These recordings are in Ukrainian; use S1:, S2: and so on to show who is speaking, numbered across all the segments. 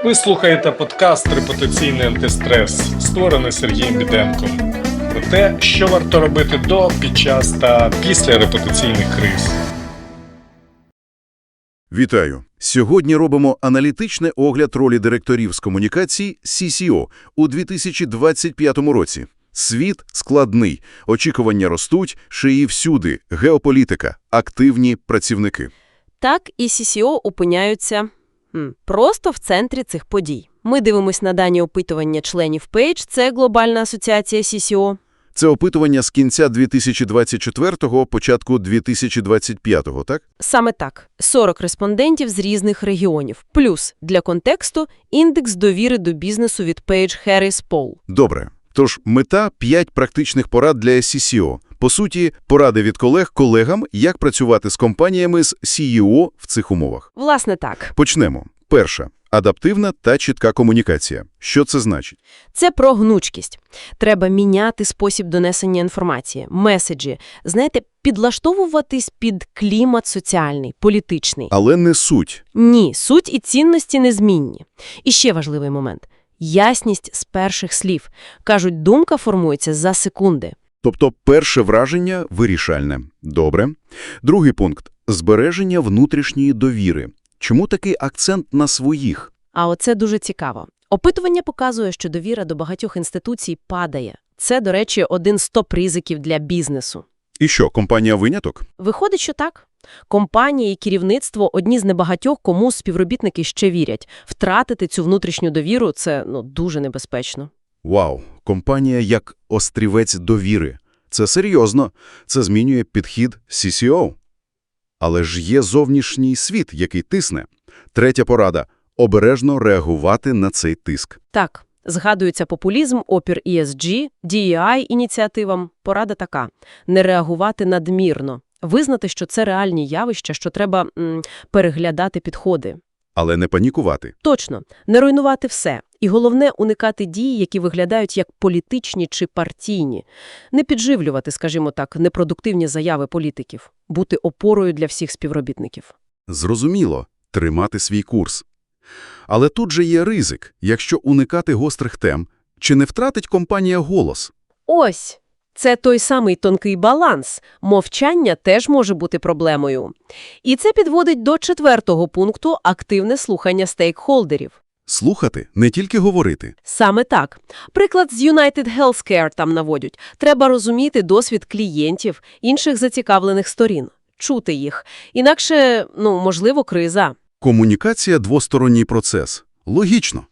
S1: Ви слухаєте подкаст «Репутаційний антистрес», створений Сергієм Біденком. Про те, що варто робити до, під час та після репутаційних криз.
S2: Вітаю! Сьогодні робимо аналітичний огляд ролі директорів з комунікацій CCO у 2025 році. Світ складний, очікування ростуть, шиї всюди, геополітика, активні працівники.
S3: Так і CCO опиняються просто в центрі цих подій. Ми дивимось на дані опитування членів Page, це глобальна асоціація CCO.
S2: Це опитування з кінця 2024-го, початку 2025-го, так?
S3: Саме так. 40 респондентів з різних регіонів. Плюс, для контексту, індекс довіри до бізнесу від Page Harris Poll.
S2: Добре. Тож, мета – 5 практичних порад для CCO. По суті, поради від колег колегам, як працювати з компаніями з CEO в цих умовах.
S3: Власне так.
S2: Почнемо. Перша. Адаптивна та чітка комунікація. Що це значить?
S3: Це про гнучкість. Треба міняти спосіб донесення інформації, меседжі. Знаєте, підлаштовуватись під клімат соціальний, політичний.
S2: Але не суть.
S3: Ні, суть і цінності незмінні. І ще важливий момент. Ясність з перших слів. Кажуть, думка формується за секунди.
S2: Тобто перше враження вирішальне. Добре. Другий пункт – збереження внутрішньої довіри. Чому такий акцент на своїх?
S3: А оце дуже цікаво. Опитування показує, що довіра до багатьох інституцій падає. Це, до речі, один з топ-ризиків для бізнесу.
S2: І що, компанія виняток?
S3: Виходить, що так. Компанії і керівництво – одні з небагатьох, кому співробітники ще вірять. Втратити цю внутрішню довіру – це дуже небезпечно.
S2: Вау, компанія як острівець довіри. Це серйозно. Це змінює підхід CCO. Але ж є зовнішній світ, який тисне. Третя порада – обережно реагувати на цей тиск.
S3: Так, згадується популізм, опір ESG, DEI ініціативам. Порада така – не реагувати надмірно. Визнати, що це реальні явища, що треба переглядати підходи.
S2: Але не панікувати.
S3: Точно. Не руйнувати все. І головне – уникати дій, які виглядають як політичні чи партійні. Не підживлювати, скажімо так, непродуктивні заяви політиків. Бути опорою для всіх співробітників.
S2: Зрозуміло. Тримати свій курс. Але тут же є ризик. Якщо уникати гострих тем, чи не втратить компанія голос?
S3: Ось! Це той самий тонкий баланс. Мовчання теж може бути проблемою. І це підводить до 4-го пункту – активне слухання стейкхолдерів.
S2: Слухати, не тільки говорити.
S3: Саме так. Приклад з United Healthcare там наводять. Треба розуміти досвід клієнтів, інших зацікавлених сторін. Чути їх. Інакше, можливо, криза.
S2: Комунікація – двосторонній процес. Логічно.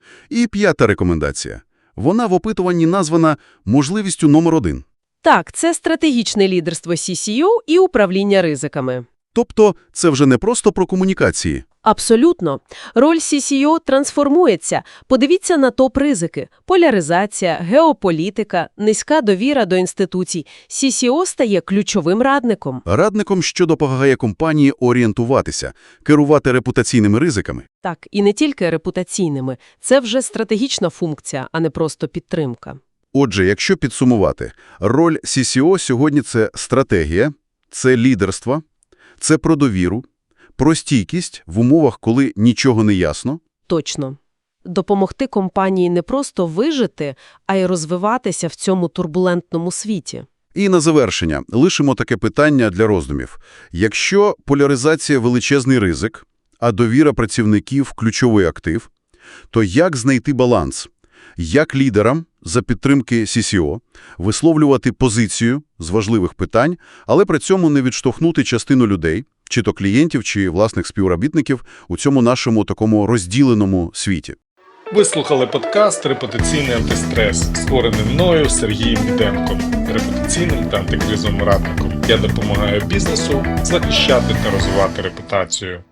S2: І 5-та рекомендація. Вона в опитуванні названа можливістю номер 1.
S3: Так, це стратегічне лідерство CCO і управління ризиками.
S2: Тобто це вже не просто про комунікації.
S3: Абсолютно. Роль CCO трансформується. Подивіться на топ-ризики. Поляризація, геополітика, низька довіра до інституцій. CCO стає ключовим радником.
S2: Радником, що допомагає компанії орієнтуватися, керувати репутаційними ризиками.
S3: Так, і не тільки репутаційними. Це вже стратегічна функція, а не просто підтримка.
S2: Отже, якщо підсумувати, роль CCO сьогодні – це стратегія, це лідерство, це про довіру, про стійкість в умовах, коли нічого не ясно.
S3: Точно. Допомогти компанії не просто вижити, а й розвиватися в цьому турбулентному світі.
S2: І на завершення лишимо таке питання для роздумів. Якщо поляризація – величезний ризик, а довіра працівників – ключовий актив, то як знайти баланс? Як лідерам за підтримки CCO висловлювати позицію з важливих питань, але при цьому не відштовхнути частину людей, чи то клієнтів, чи власних співробітників у цьому нашому такому розділеному світі?
S1: Ви слухали подкаст «Репутаційний антистрес», створений мною Сергієм Біденком, репутаційним та антикризовим радником. Я допомагаю бізнесу захищати та розвивати репутацію.